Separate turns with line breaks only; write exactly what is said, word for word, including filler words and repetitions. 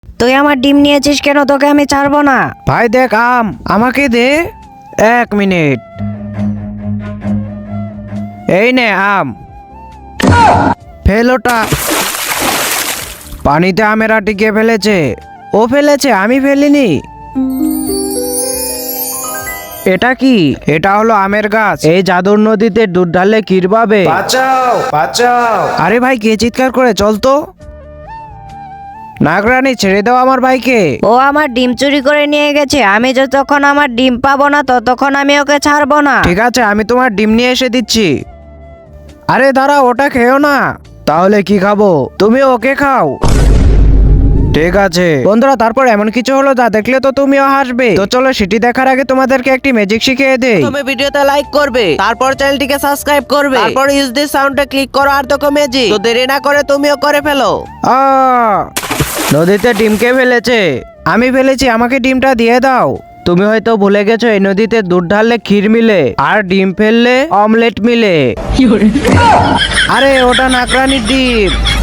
তুই আমার ডিম নিয়েছিস কেন? তোকে আমি ছাড়বো না।
ভাই দেখ আম, আমাকে দে। এক মিনিট, এই নে আম। ফেলোটা। পানিতে আমের আটি কে ফেলেছে? ও ফেলেছে, আমি ফেলিনি। এটা কি? এটা হলো আমের গাছ। এই জাদুর নদীতে দুধ ঢাললে ক্ষীর পাবে। বাঁচাও বাঁচাও! আরে ভাই, কে চিৎকার করে? চল তো। নাগরানী, ছেড়ে দাও আমার ভাইকে।
ও আমার ডিম চুরি করে নিয়ে গেছে। আমি যতক্ষণ আমার ডিম পাবো না ততক্ষণ আমি ওকে ছাড়বো না।
ঠিক আছে, আমি তোমার ডিম নিয়ে এসে দিচ্ছি। আরে দাঁড়া, ওটা খেও না। তাহলে কি খাবো? তুমি ওকে খাও। ঠিক আছে বন্ধুরা, তারপর এমন কিছু হলো যা দেখলে তো তুমিও হাসবে। তো চলো সেটি দেখার আগে তোমাদেরকে একটি ম্যাজিক শিখিয়ে দেই।
তুমি ভিডিওতে লাইক করবে, তারপর চ্যানেলটিকে সাবস্ক্রাইব করবে, তারপর ইউজ দিস সাউন্ডে ক্লিক করো আর দেখো ম্যাজিক। তো দেরি না করে তুমিও করে ফেলো।
আ নদীতে ডিম কে ফেলেছে? আমি ফেলেছি, আমাকে ডিমটা দিয়ে দাও। তুমি হয়তো ভুলে গেছো এই নদীতে দুধ ঢাললে ক্ষীর মিলে, আর ডিম ফেললে অমলেট মিলে। আরে ওটা নাকরানির ডিম।